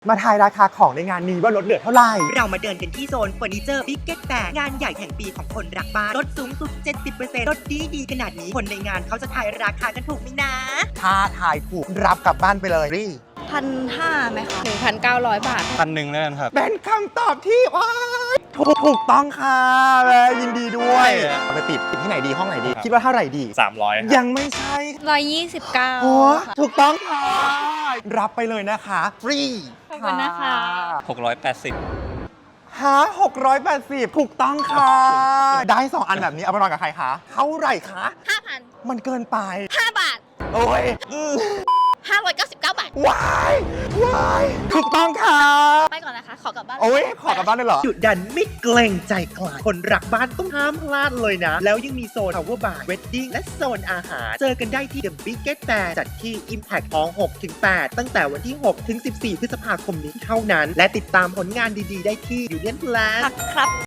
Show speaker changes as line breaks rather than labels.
มาทายราคาของในงานนี้ว่าลดเหลือเท่าไหร่
เรามาเดินกันที่โซนเฟอร์นิเจอร์บิ๊กเก็ตแฟร์งานใหญ่แห่งปีของคนรักบ้านลดสูงสุด 70% ลดดีขนาดนี้คนในงานเขาจะทายราคากันถูกไหมนะ
ถ้าทายถูกรับกลับบ้านไปเลยรี่
1,500ไหมคะ1,900 บาท
1,100แล้วกันครับ
เป็นคำตอบที่ถูกต้องค่ะและยินดีด้วยไปติดที่ไหนดีห้องไหนดีคิดว่าเท่าไหร่ดี
300
ยังไม่ใช่
129
โอ้ถูกต้องค่ะรับไปเลยนะคะฟรี
ขอบคุณนะคะ
680
680ถูกต้องค่ะ ได้2อันแบบนี้เอาไปนอนกับใครคะเท่าไหร่คะ
5,000
มันเกินไป
5 บาท
โอ้ย
599 บาท
ว้ายถูกต้องค่ะ
ไปก่อนนะคะ ขอกลับบ้าน
โอ้ยขอกลับบ้านเลยเหรอ
จุดดันไม่เกรงใจใครคนรักบ้านต้องห้ามพลาดเลยนะ แล้วยังมีโซน Power Bar Wedding และโซนอาหาร เจอกันได้ที่ The Biggest Fair จัดที่ Impact ของ 6-8 ตั้งแต่วันที่ 6-14 พฤษภาคมนี้เท่านั้น และติดตามผลงานดีๆได้ที่ Union Plus
ครับ